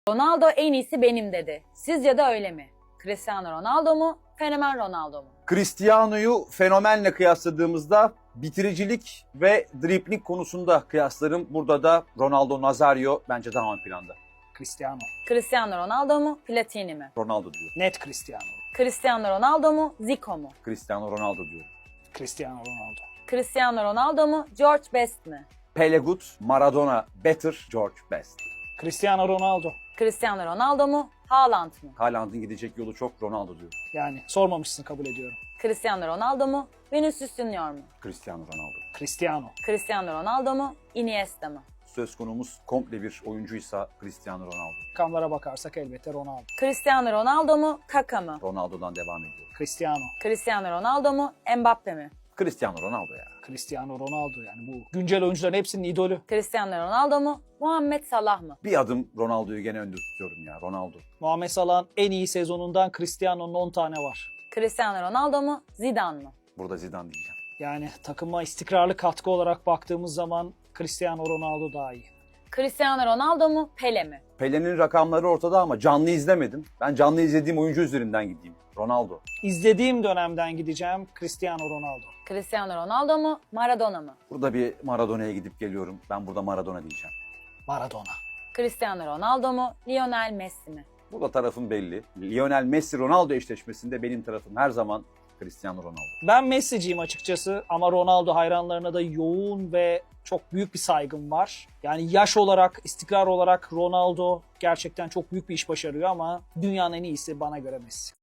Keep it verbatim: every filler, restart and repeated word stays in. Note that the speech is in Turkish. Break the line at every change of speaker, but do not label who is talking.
Ronaldo en iyisi benim dedi. Sizce de öyle mi? Cristiano Ronaldo mu? Fenomen Ronaldo mu?
Cristiano'yu fenomenle kıyasladığımızda bitiricilik ve dribling konusunda kıyaslarım. Burada da Ronaldo Nazario bence daha ön planda.
Cristiano.
Cristiano Ronaldo mu? Platini mi?
Ronaldo diyor.
Net Cristiano.
Cristiano Ronaldo mu? Zico mu?
Cristiano Ronaldo diyor.
Cristiano Ronaldo.
Cristiano Ronaldo mu? George Best mi?
Pele good, Maradona better, George best.
Cristiano Ronaldo.
Cristiano Ronaldo mu? Haaland mı?
Haaland'ın gidecek yolu çok, Ronaldo diyor.
Yani sormamışsın, kabul ediyorum.
Cristiano Ronaldo mu? Vinicius Junior mu?
Cristiano Ronaldo.
Cristiano.
Cristiano Ronaldo mu? Iniesta mı?
Söz konumuz komple bir oyuncuysa Cristiano Ronaldo.
Rakamlara bakarsak elbette Ronaldo.
Cristiano Ronaldo mu? Kaka mı?
Ronaldo'dan devam ediyor.
Cristiano.
Cristiano Ronaldo mu? Mbappe mi?
Cristiano Ronaldo ya.
Cristiano Ronaldo, yani bu güncel oyuncuların hepsinin idolü.
Cristiano Ronaldo mu? Muhammed Salah mı?
Bir adım Ronaldo'yu gene önde tutuyorum ya. Ronaldo.
Muhammed Salah'ın en iyi sezonundan Cristiano'nun on tane var.
Cristiano Ronaldo mu? Zidane mı?
Burada Zidane diyeceğim.
Yani takıma istikrarlı katkı olarak baktığımız zaman Cristiano Ronaldo daha iyi.
Cristiano Ronaldo mu? Pele mi?
Pele'nin rakamları ortada ama canlı izlemedim. Ben canlı izlediğim oyuncu üzerinden gideyim. Ronaldo.
İzlediğim dönemden gideceğim, Cristiano Ronaldo.
Cristiano Ronaldo mu? Maradona mı?
Burada bir Maradona'ya gidip geliyorum. Ben burada Maradona diyeceğim.
Maradona.
Cristiano Ronaldo mu? Lionel Messi mi?
Burada tarafım belli. Lionel Messi-Ronaldo eşleşmesinde benim tarafım her zaman Cristiano Ronaldo.
Ben Messi'ciyim açıkçası ama Ronaldo hayranlarına da yoğun ve çok büyük bir saygım var. Yani yaş olarak, istikrar olarak Ronaldo gerçekten çok büyük bir iş başarıyor ama dünyanın en iyisi bana göre Messi.